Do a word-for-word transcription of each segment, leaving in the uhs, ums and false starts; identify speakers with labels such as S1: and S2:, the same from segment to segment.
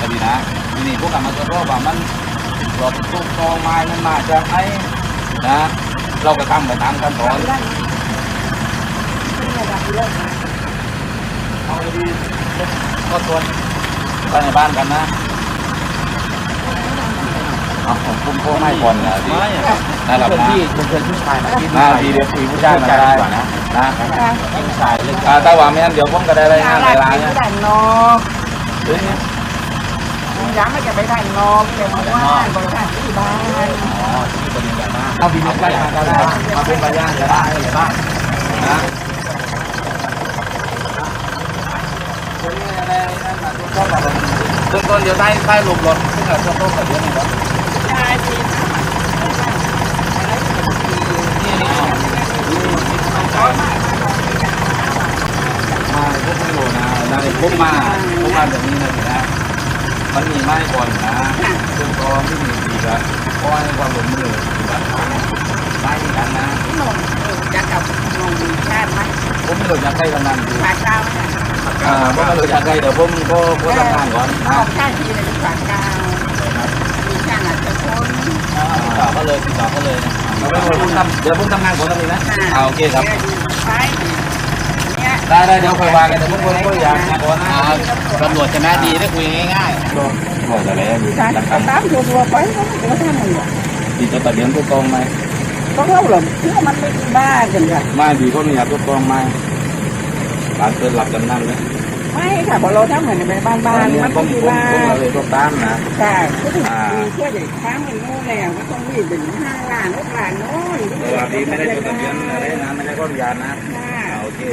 S1: นะพี่นะทีนี้พวกกรรมการว่ามันหลบตุ๊กตอไม้มันมาจากไหนนะเราก็ทำไปตามขั้นตอนเอาดีก็ตรวจภายในบ้านกันนะเอาผมคุ้มโค้งให้ก่อนนะพี่นั่นแหละนะพี่เพื่อนผู้ชายนะพี่พี่เดี๋ยวคุยผู้ชายมาได้นะนะผู้ชายเรื่องแต่ว่าไม่งั้นเดี๋ยวผมก็ได้รายงานในร้านเนี่ย
S2: ย้ำไม่จะไปได้นอกเดี๋ยวมาว่าบริการที่บ้าน
S1: อ๋อที่บริการบ้านเอาบินไปมาก็ได้มาเป็นบริการจะได้หรือเปล่านะต้นต้นเดี๋ยวได้ได้หลบรถซึ่งเราต้นต้นแบบนี้นะครับ
S2: ใช่ที่
S1: นี่นี่มาพวกไม่รู้นะได้พวกมาพวกมาแบบนี้นะนะมันมีไม้ก่อนนะเครื่องกรองที่มีดีกันเพราะให้ความหลงมือดีกันไม้ที่กันนะ
S2: ที่หนุ่มจะกับหนุ่มชาติไหม
S1: ผมไม่รู้จะใครกำนันดี
S2: ฝากเก้าไหม
S1: อ่าผมไม่รู้จะใครเดี๋ยวผมก็ก็ทำงานก่อน
S2: นะชาติทีเลยฝากเก้ามีช่างอาจจะพ้น
S1: ติดต่อก็เลยติดต่อก็เลยนะเดี๋ยวผมทำเดี๋ยวผมทำงานก่อนตรงนี้นะเอาโอเคครับได้ได้เดี๋ยวคุยว่ากันแต่พวกคนก็อยากนะก่อนนะตำรวจจะน่าดีได้คุยง่ายๆโอ้แต่แล้วมี
S2: การตามตัวตัวไปก็ไม่ได้ทำอะไร
S1: ดีจะตัดเลี้ยงตัวกองไหม
S2: ก็เล่าหรอกเชื่อมันไม่บ้ากันค่ะ
S1: ไม่ดีก็มีอยากตัวกองไหมบ้านเกิดหลับกันนั่นเลย
S2: ไม่ค่ะพอเราทำเหมือนในบ้านบ้านมันต้องมีบ้าน
S1: เราเลยตัวตั้งนะ
S2: ค่ะก็ถึงเชื่อเด็กค้างมันโน่แล้วก็ต้องมีถึงห้าล้านหกล้านโน่น
S1: เออดีไม่ได้ตัวตัดเลี้ยงอะไรนะไม่ได้ก็ยานะโอเค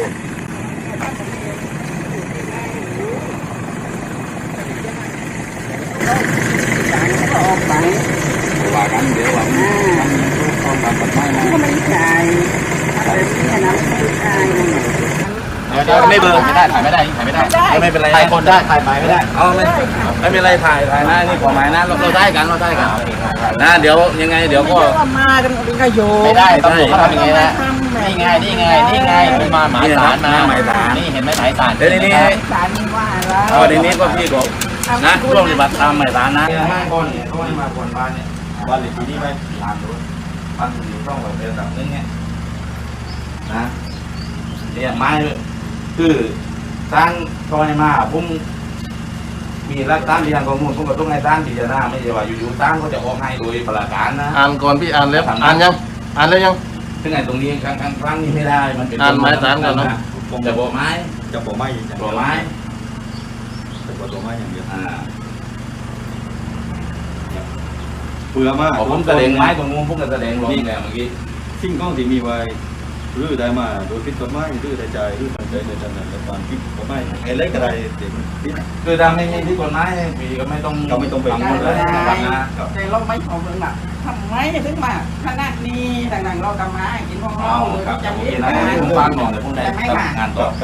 S2: ก็ออกไป
S1: ว่ากันเดี๋ยวว่ามันต้องทำปัจจัยนะ
S2: ก็ไม่ใช่อะไรที่น้ำไม่ใช่
S1: เดี๋ยวไม่เบอร์ไม่ได้ถ่ายไม่ได้ถ่ายไม่ได้ไม่เป็นไรถ่ายคนได้ถ่ายไปไม่ได้เอาไม่ไม่เป็นไรถ่ายถ่ายนะนี่กฎหมายนะเราได้กันเราได้กันนะเดี๋ยวยังไงเดี๋ยวก็
S2: มากันเป็นกระโย
S1: ไม่ได้ตำรวจเขาทำยังไงนะนี่ไงนี่ไงนี่ไงมีมาหมายสารมาหมายสารนี่เห็นไหมหมายสารเดี๋ยวนี้
S2: สารนี่ว่าแล้ว
S1: เอาเดี๋ยวนี้ก็พี่ก็นะร่วมปฏิบัติตามหมายสารนะห้าคนเขาให้มาคนบ้านเนี่ยบ้านหรือที่นี่ไปตามดูบ้านอยู่ต้องแบบเดินแบบนึงเนี่ยนะเนี่ยไม้คือสร้างซอยมาพุ่งมีรักตั้งที่ทางข้อมูลพุ่งกับตุ้งในตั้งที่จะหน้าไม่ใช่ว่าอยู่ๆตั้งก็จะออกให้โดยประการนะ
S3: อ่านก่อนพี่อ่านแล้วอ่านยังอ่านแล้วยัง
S1: ซึ่งไอ้ตรงนี้ครั้งครั้งครั้งนี้ไม่ได้มันเป็น
S3: อ่านไม้สารกันเนาะ
S1: จะบอกไม้
S4: จะบอกไม้
S1: บอกไม้
S4: จะบอกตัวไม้อย่างเดียว
S1: อ่า
S4: เผื่อมาก
S1: ผมแสดงไม้ตรงนู้นผมก็แสดงลงแล้วเมื่อกี้
S4: สิ่งของที่มีไว้หรือได้มาโดยผิดกฎหมายหรือได้ใจหรือมันใจในทางนั้นในความผิดกฎหมายไอ้เล็กอะไรเด็กผิด
S1: คือถ้าไม่มีผิดกฎหมายปีก็ไม่ต้อง
S4: ก็ไม่ต้องไป
S1: ทำหมดเลยนะครับนะ
S2: แต่เราไม่ของเมืองแบบทำไมถึงมาขนาดนี้ต่างๆเราทำมากินของเรา
S1: จะมีอะไรผมฟังหน่อยเดี๋ยวผมได้งานต่อ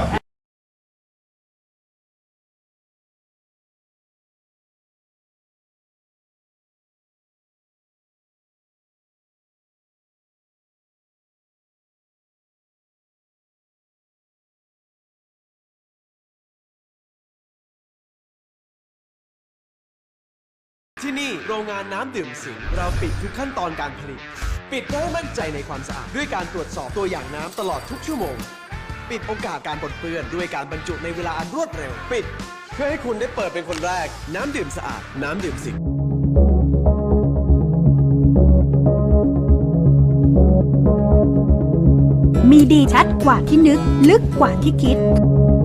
S5: ที่นี่โรงงานน้ำดื่มสิงห์เราปิดทุกขั้นตอนการผลิตปิดเพื่อให้มั่นใจในความสะอาดด้วยการตรวจสอบตัวอย่างน้ำตลอดทุกชั่วโมงปิดโอกาสการปนเปื้อนด้วยการบรรจุในเวลาอันรวดเร็วปิดเพื่อให้คุณได้เปิดเป็นคนแรกน้ำดื่มสะอาดน้ำดื่มสิงห์
S6: มีดีชัดกว่าที่นึกลึกกว่าที่คิด